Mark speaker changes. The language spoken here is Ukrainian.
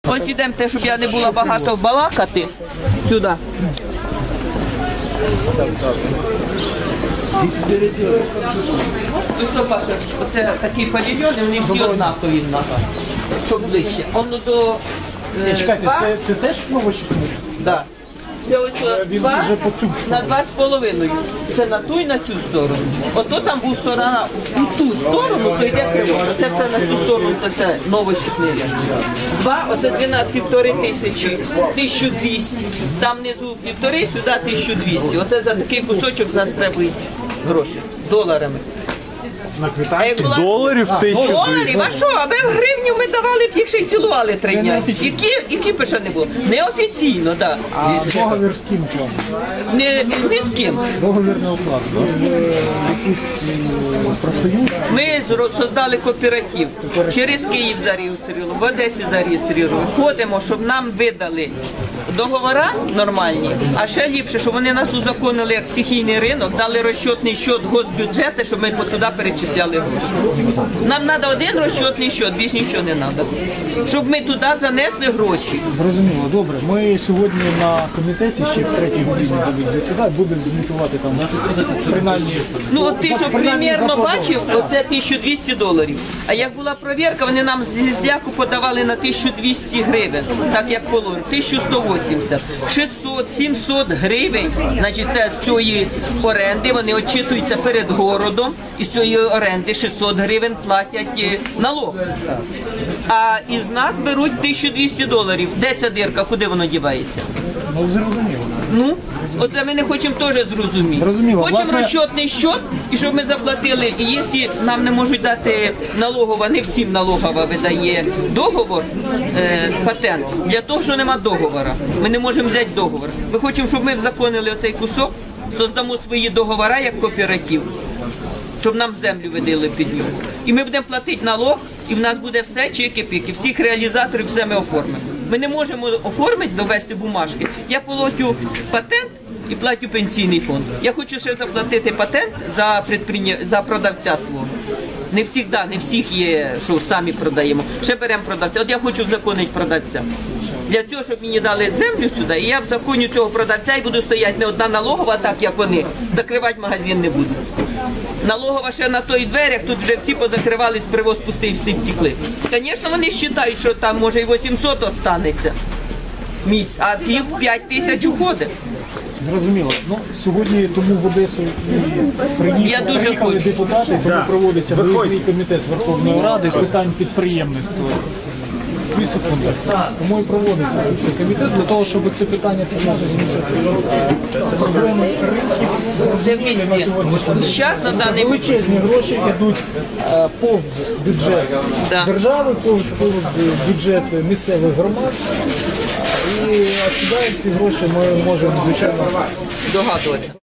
Speaker 1: Ось ідемо те, щоб я не була багато балакати. Сюди. Ось, Паша, оце такі павільйони, вони всі однакові в нас. Щоб ближче. Воно до...
Speaker 2: Чекайте, це теж овочі?
Speaker 1: Так. Це ось два на 2,5. Це на ту і на цю сторону. Ото там був сторона, у ту сторону, то йде криво. Це все на цю сторону, це все новощепнили. Два, оце 12,5 тисячі, 1200. Там внизу 1,5, сюди 1200. Оце за такий кусочок з нас треба гроші, доларами.
Speaker 2: На квитанції?
Speaker 3: Доларів 1200?
Speaker 1: Доларів? А що? Аби в гривню ми давали б, їх ще й цілували 3 дні. Які б ще не було? Неофіційно, так.
Speaker 2: А договір з ким план?
Speaker 1: Не з ким.
Speaker 2: Договірний уклад. Якийсь профсоюз?
Speaker 1: Ми создали кооператив. Через Київ зареєстрували, в Одесі зареєстрували. Ходимо, щоб нам видали договори нормальні, а ще ліпше, щоб вони нас узаконили як стихійний ринок, дали розчетний счет госбюджету, щоб ми туди перечисляли гроші. Нам треба один розчетний счет, більш нічого не треба. Щоб ми туди занесли гроші.
Speaker 2: Зрозуміло, добре. Ми сьогодні на комітеті ще в 3-й годині будемо засідати, будемо звітувати там принаймні.
Speaker 1: Ну от ти, що примірно бачив, оце $1200. А як була перевірка, вони нам з зляку подавали на 1200 гривень, так як положено, 1180. 600-700 гривень, значить це з цієї оренди, вони очитуються перед городом, і з цієї оренди 600 гривень платять налог. А із нас беруть $1200. Де ця дирка, куди воно дівається?
Speaker 2: Ну, зрозуміло.
Speaker 1: Ну, оце ми не хочемо теж зрозуміти. Хочемо розчетний счет, і щоб ми заплатили. І якщо нам не можуть дати налогова, не всім налогова видає договор, патент, для того, що нема договору. Ми не можемо взяти договор. Ми хочемо, щоб ми взаконили оцей кусок, создамо свої договори як кооператив, щоб нам землю видали під нього. І ми будемо платити налог, і в нас буде все чики-піки, всіх реалізаторів все ми оформимо. Ми не можемо оформити, довести бумажки. Я платю патент і платю пенсійний фонд. Я хочу ще заплатити патент за продавця свого. Не всіх є, що самі продаємо. Ще беремо продавця. От я хочу взаконити продавця. Для цього, щоб мені дали землю сюди, і я взаконю цього продавця і буду стояти не одна налогова, так як вони. Закривати магазин не буду. Налогова ще на той дверях, тут вже всі позакривались, привоз пустий, всі втекли. Звісно, вони вважають, що там може і 800 останеться місць, а ті 5 тисяч уходить.
Speaker 2: Зрозуміло. Ну, сьогодні тому в Одесу приїхали депутати, тому проводиться виїзний комітет Верховної Ради з питань підприємництва. Тому і проводиться цей комітет для того, щоб це питання підняти проблеми ринків.
Speaker 1: Це в місті. Зараз на даний
Speaker 2: величезні гроші йдуть повз бюджет держави, повз бюджет місцевих громад. І відсюди ці гроші ми можемо, звичайно,
Speaker 1: догадувати.